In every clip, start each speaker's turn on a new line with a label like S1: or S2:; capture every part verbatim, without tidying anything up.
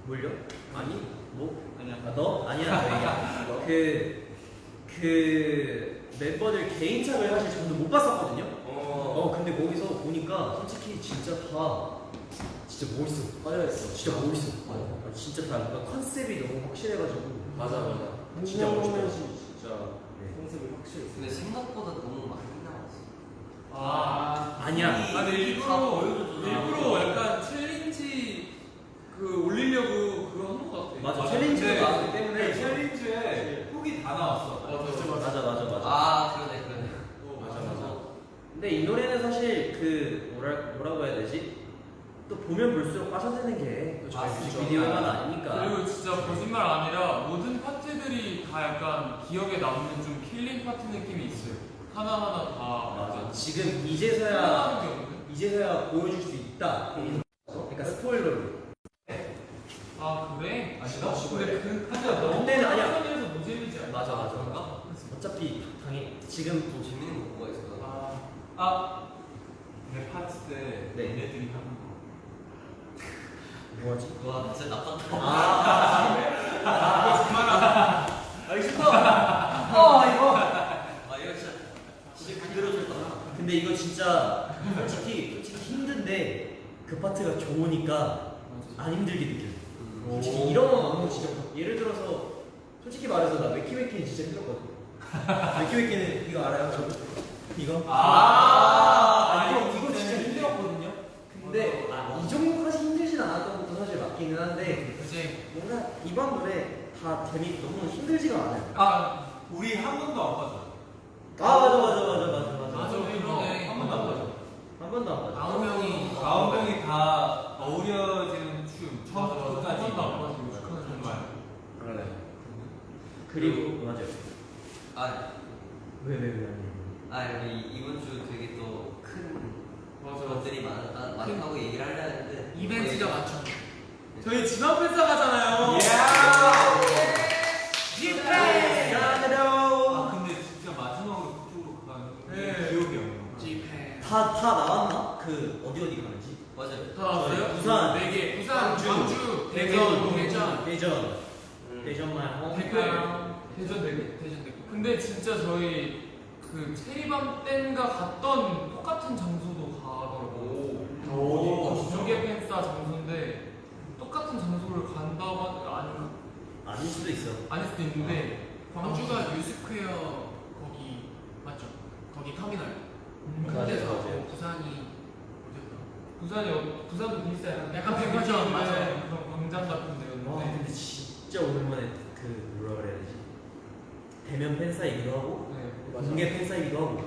S1: 뭘요? 아니? 뭐? 아니야. 아, 너? 아니야. 너 얘기야. 그, 그 멤버들 개인착을 사실 저도 못 봤었거든요. 어. 어 근데 거기서 보니까 솔직히 진짜 다 진짜 멋있어. 빠져있어. 진짜 멋있어. 어. 아, 진짜 다 뭔가 컨셉이 너무 확실해가지고.
S2: 맞아 맞아.
S1: 진짜 멋있다.
S2: 진짜 네. 컨셉이 확실했어.
S3: 근데 생각보다 너무 많이 나왔어.
S4: 아
S1: 아니야.
S4: 아 근데 일부러 일부러 약간 챌린지 그 올리려고 그거 한 것 같아.
S1: 맞아.
S2: 맞아.
S1: 챌린지가
S2: 근데
S1: 나왔기 때문에.
S2: 챌린지에 훅이 다 나왔어.
S4: 맞아
S1: 맞아 맞아 맞아.
S3: 아 그러네 그러네.
S4: 어,
S2: 맞아 맞아.
S1: 근데 이 노래는 사실 그 뭐라 뭐라고 해야 되지? 또 보면 볼수록 빠져드는 게또 저희
S3: 맞습니다.
S1: 뮤직비디오만 아니니까.
S4: 그리고 진짜 거짓말 아니라 모든 파트들이 다 약간 기억에 남는 좀 킬링 파트 느낌이 있어요. 하나하나 다
S1: 맞아.
S4: 약간
S1: 지금 이제서야
S4: 하나하는 게 없네.
S1: 이제서야 보여줄 수 있다. 그러니까 스포일러로.
S4: 아 그래?
S2: 아니다?
S4: 근데 그
S2: 하지만 너무
S1: 그때는 아니야.
S4: 에서 노잼이지 않아?
S1: 맞아 맞아.
S3: 그런가?
S1: 어차피 당해 지금
S3: 좀 재밌는 거 뭐가 있어?
S4: 아,
S2: 아, 내 파트 때
S1: 네.
S2: 얘네들이 하는 거.
S1: 뭐하지?
S3: 와 진짜 나빴다.
S1: 아,
S4: 그만하자.
S1: 알겠습니다. 아 이거.
S3: 아 이거 진짜 진짜 그대로 줬다.
S1: 근데 이거 진짜 솔직히 솔직히 힘든데 그 파트가 좋으니까 안 힘들게 느껴.
S3: 음.
S1: 솔직히 이런 거 너무 진짜 예를 들어서 솔직히 말해서 나 웨키웨키는 진짜 힘들었거든. 웨키웨키는 이거 알아요? 저 이거?
S2: 아,
S1: 아, 이거
S2: 이거
S1: 이거 진짜
S2: 진짜
S1: 힘들었거든요. 근데 아, 이 정도까지 힘들진 않았던 것도 사실 맞기는 한데
S4: 그치.
S1: 뭔가 이번 노래 다 재미 너무 힘들지가 않아요.
S2: 아, 우리 한 번도 안 빠져.
S1: 아 맞아 맞아 맞아 맞아 맞아.
S4: 맞아, 그러네.
S2: 한 번도 안 빠져.
S1: 한 번도 안 맞아.
S4: 아홉 명이
S2: 아홉 명이 다 어우러지는 춤 처음부터 끝까지.
S4: 한 번도 안 빠지고 축하는
S2: 정말.
S3: 그러네.
S1: 그리고 맞아요.
S3: 아,
S1: 왜 왜 왜 아니?
S3: 아 우리 이번 주 되게 또 큰
S4: 맞아.
S3: 것들이 많았다 많다고 얘기를 하려 했는데
S4: 이벤트가 많죠. 저희 지방 팬싸 가잖아요.
S1: 집회
S2: 아, 근데 진짜 마지막으로 그쪽으로 가는
S4: 네.
S2: 기억이 안 나.
S4: 집회.
S1: 다다 나왔나? 그 어디 어디 가는지?
S3: 맞아요.
S4: 다 나왔어요?
S1: 부산,
S4: 네 개. 부산,
S1: 광주,
S4: 광주, 대전, 대전.
S1: 대전,
S3: 음.
S1: 대전만 어?
S4: 대전, 대전 네 개. 대전 네 개. 근데 진짜 저희 그 체리밤 땐가 갔던 똑같은 장소도 가더라고.
S2: 오, 진짜?
S4: 두개 팬싸 장소인데 똑같은 장소를 간다고 하 아니
S1: 아닐 수도 있어.
S4: 아닐 수도 있는데 광주가 유스퀘어 거기 맞죠? 거기 터미널.
S1: 맞아요,
S4: 근데서
S1: 맞아요.
S4: 부산이 어디였다? 부산이 어, 부산도 비슷해요. 약간
S1: 백화점,
S4: 백화점
S1: 맞아요.
S4: 맞아요. 그런 광장 같은
S1: 와
S4: 데였는데.
S1: 근데 진짜 오랜만에 그 뭐라 그래야 되지? 대면 팬사이기도 하고
S4: 네.
S1: 공개 팬사이기도 하고.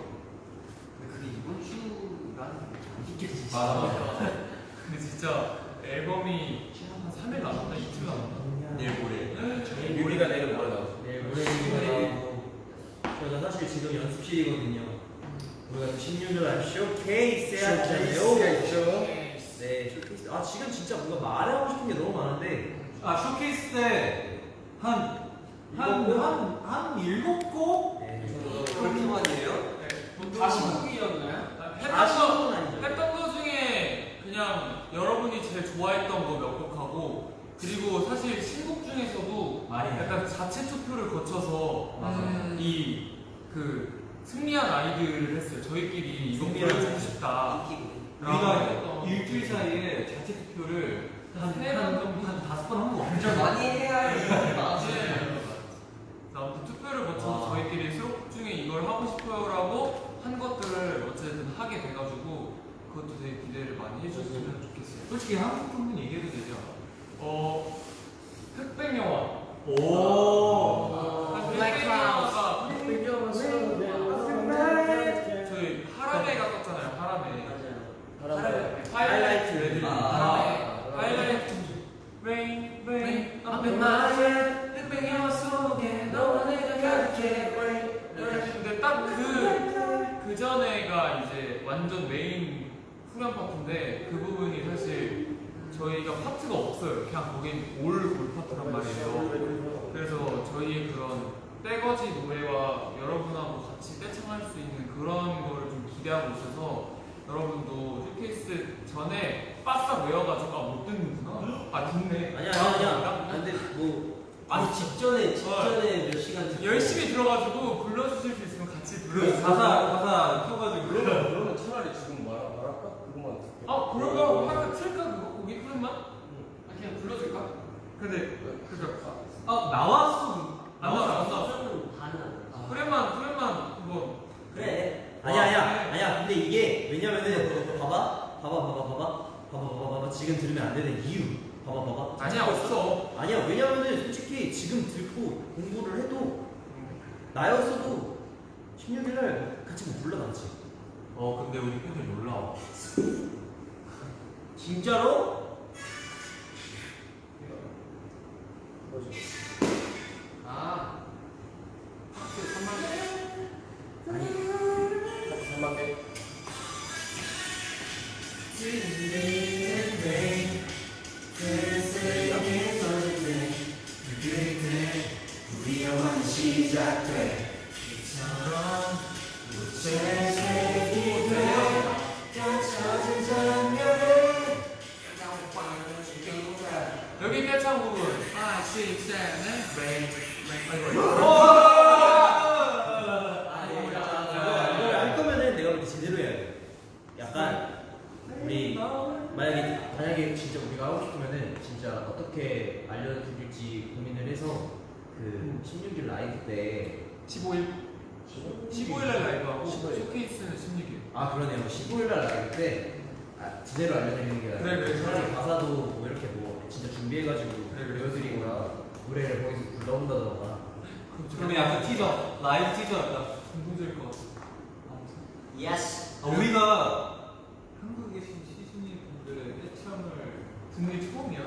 S3: 근데 그게 이번 주라는 안 느껴지지.
S2: 맞아, 맞아.
S4: 근데 진짜 앨범이 한 삼 일 남았나? 이틀 남았나?
S3: 내일 모레.
S1: 저희 우리가 내일 모레 나오죠. 내일 모레 나오고 저희가 사실 지금 연습실이거든요. 우리가 십육 일 날 쇼케이스 해야잖아요. 네, 쇼케이스. 아 지금 진짜 뭔가 말하고 싶은 게 너무 많은데.
S2: 아, 쇼케이스 때 한, 한, 한, 한 일곱 곡?
S1: 네.
S3: 그렇게 많이 해요?
S4: 다시 곡이었나요?
S1: 다시
S4: 했던 거
S1: 곡은 아니죠.
S4: 했던 거 중에 그냥 여러분이 제일 좋아했던 거 몇 곡하고 그리고 사실 신곡 중에서도
S2: 많이 해요.
S4: 약간 자체 투표를 거쳐서
S2: 맞아.
S4: 이 그 승리한 아이들을 했어요. 저희끼리 이거
S1: 승리한
S4: 보여주고
S1: 아이들.
S4: 싶다.
S3: 인기고.
S2: 우리가 일주일 사이에 자체 투표를 한,
S4: 세
S2: 한,
S4: 번 정도?
S2: 한 다섯 번 한 거
S3: 진짜
S2: 같아.
S3: 많이 해야 할 일이 많았어요.
S4: 네. 아무튼 투표를 거쳐서
S3: 와.
S4: 저희끼리 수록 중에 이걸 하고 싶어요라고 한 것들을 어쨌든 하게 돼가지고 그것도 되게 기대를 많이 해주셨으면 좋겠어요.
S2: 솔직히 한국 정도는 얘기해도 되죠?
S4: 어 흑백 영화.
S2: 오.
S4: 한
S1: Black
S4: 흑백
S1: Clouds.
S4: 영화가 저희 하람에 갔었잖아요. 하람에.
S1: 하람에.
S4: 하이라이트.
S3: 아.
S4: 하람에. 하이라이트. Rain, rain, up in my head. 흑백 영화 속에 너와 내가 가득해. 이렇게. 근데 딱 그 그 전에가 이제 완전 메인 후렴 파트인데 그 부분이 사실 저희가 파트가 없어요. 그냥 거긴 올 올 파트란 말이에요. 그래서 저희의 그런 떼거지 노래와 여러분하고 같이 떼창할 수 있는 그런 거를 좀 기대하고 있어서 여러분도 쇼케이스 전에 바싹 외워가지고 아, 못 듣는구나. 아 듣네.
S1: 아니야 아니야 아니야. 근데 뭐
S3: 아니 직전에 직전에 몇 시간 듣고
S4: 열심히 들어가지고 불러주실 수 있으면 같이
S2: 그
S4: 불러주세요.
S2: 가사 가사 켜가지고
S3: 그러면 그러면 차라리 지금 말 말할까? 그거만 듣게.
S4: 아 그러면 하나 틀까 그거? 거기 푸른만? 아 그냥 불러줄까? 근데 그니까
S2: 아 나왔어.
S4: 안 나왔어 안 나왔어.
S3: 반은 안 나왔어.
S4: 푸른만 푸른만 그거
S3: 그래.
S1: 아니야 아니야 아니야. 근데 이게 왜냐면은 봐봐 봐봐 봐봐 봐봐 봐봐 봐봐 봐봐 지금 들으면 안 되는 이유 봐봐 봐봐.
S4: 아니야 없어.
S1: 아니야 왜냐면은 솔직히 지금 듣고 공부를 해도 나였어도 십육 일날 같이 못 불러나지.
S2: 어 근데 우리 팬들 놀라워.
S1: 진짜로?
S4: 아 학교 삼만 개.
S3: 아니. 삼만 개.
S1: 우리 영화는 시작돼. 이처럼 무채색이 돼. 갇혀진 장면에
S4: 여기 떼창 부분 five, six, seven, eight
S1: 이걸 할 거면은 내가 볼 때 제대로 해야 돼. 약간 우리 만약에 만약에 진짜 우리가 하고 싶으면은 진짜 어떻게 알려드릴지 고민을 해서 그 십육 일 라이브 때
S4: 십오 일 십오 일날 라이브하고
S1: 십오 일.
S4: 쇼케이스는 십육 일.
S1: 아 그러네요. 십오 일 날 라이브 때 아, 제대로 알려드리는 게
S4: 그래, 그래,
S1: 차라리
S4: 그래.
S1: 가사도 뭐 이렇게 뭐 진짜 준비해가지고
S4: 그래, 그래.
S1: 보여드리거나 노래를 거기서 불러온다던가.
S2: 그러면 약간 티저 라이브 티저 할까?
S4: 감동적일 것 같아.
S3: 예스.
S2: 아, 우리가 한국에 계신 시즈니 분들의 떼창을
S4: 듣는 게 처음이야.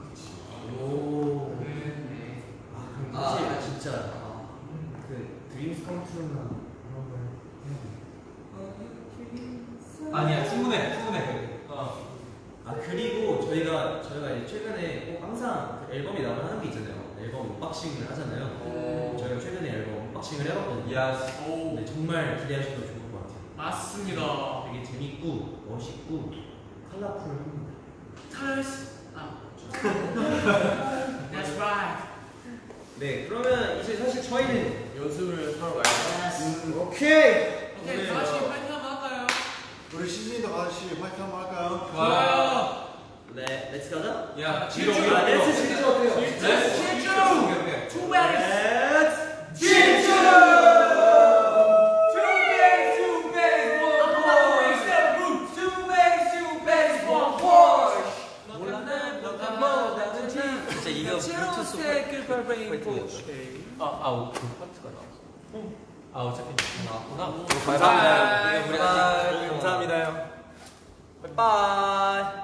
S1: 오.
S4: 네. 네.
S1: 아 그럼
S3: 아.
S1: 사실 진짜 그 드림스 컴투나 그런 걸 해야 돼.
S2: 아니야 충분해 충분해. 어.
S1: 아 그리고 저희가 저희가 이제 최근에 꼭 항상 그 앨범이 나오면 하는 게 있잖아요. 앨범 언박싱을 하잖아요.
S3: 오.
S1: 저희가 최근에 앨범 언박싱을 해봤거든요.
S2: 야스.
S4: 오.
S1: 근데 정말 기대하셔도 좋을 것 같아요.
S4: 맞습니다.
S1: 되게 재밌고 멋있고 컬러풀합니다.
S4: Colors. 아. That's right.
S1: 네 그러면 이제 사실 저희는
S3: 연습을 하러 가야 돼.
S1: 음, 오케이.
S4: 오케이, 다 같이 파이팅 한번 할까요?
S5: 우리 시즌이도 같이 파이팅 한번 할까요?
S4: 좋아요.
S1: 네 렛츠 가자.
S2: 야
S4: 질주!
S2: 뒤로
S1: 아,
S2: 뒤로.
S1: 렛츠 질주 어때요?
S2: 렛츠
S4: 질주!
S2: 오케이, 오케이.
S4: Two bags.
S1: 렛츠
S4: 질주! Two bags, two bags, one boy. Two bags, two bags, one boy.
S3: 진짜 이거 블루투스
S4: 아아 그 파트가 나왔어.
S2: 아 어차피 나왔구나.
S3: 감사합니다.
S1: 우리가
S3: 감사합니다.
S1: 바이바이.